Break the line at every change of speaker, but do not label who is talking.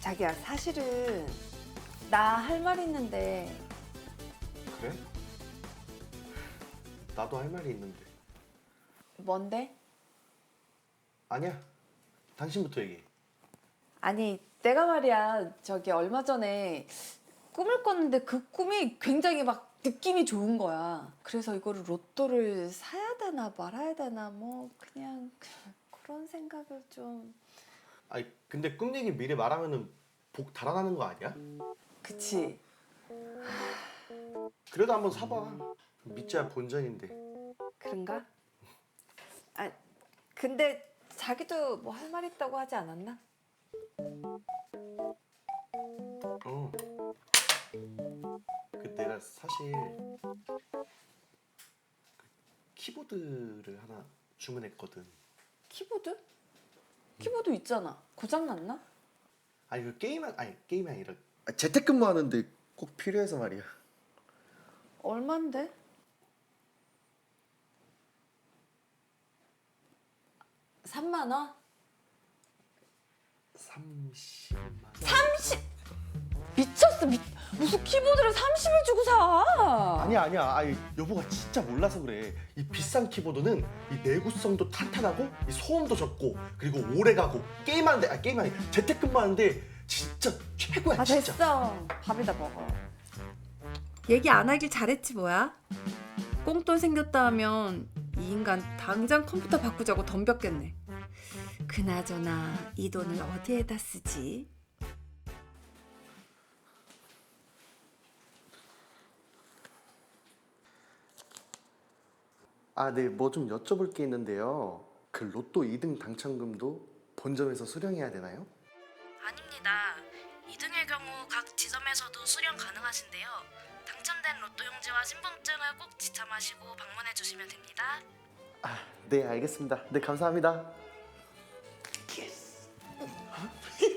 자기야, 사실은 나 할 말 있는데.
그래? 나도 할 말이 있는데.
뭔데?
아니야. 당신부터 얘기해.
아니, 내가 말이야, 저기 얼마 전에 꿈을 꿨는데 그 꿈이 굉장히 막 느낌이 좋은 거야. 그래서 이거를 로또를 사야 되나 말아야 되나 뭐 그냥 그런 생각을 좀.
아니 근데 꿈 얘기 미리 말하면은 복 달아나는 거 아니야?
그치?
그래도 한번 사봐. 믿자야 본전인데.
그런가? 아, 근데 자기도 뭐 할 말 있다고 하지 않았나?
어. 그 내가 사실 키보드를 하나 주문했거든.
키보드? 키보드 있잖아. 고장 났나?
아니 그 게임이 아니라 재택근무하는데 꼭 필요해서 말이야.
얼만데? 3만 원?
30만 원.
30! 미쳤어. 무슨 키보드를 30을 주고 사?
아니야. 아니 여보가 진짜 몰라서 그래. 이 비싼 키보드는 이 내구성도 탄탄하고 이 소음도 적고 그리고 오래가고 게임이 아니 재택근무하는데 진짜 최고야.
아,
진짜.
됐어. 밥이다 먹어.
얘기 안 하길 잘했지 뭐야. 꽁돈 생겼다 하면 이 인간 당장 컴퓨터 바꾸자고 덤볐겠네. 그나저나 이 돈을 어디에다 쓰지?
아, 네, 뭐 좀 여쭤볼 게 있는데요. 그 로또 2등 당첨금도 본점에서 수령해야 되나요?
아닙니다. 2등의 경우 각 지점에서도 수령 가능하신데요. 당첨된 로또 용지와 신분증을 꼭 지참하시고 방문해 주시면 됩니다.
아, 네, 알겠습니다. 네, 감사합니다. 예스.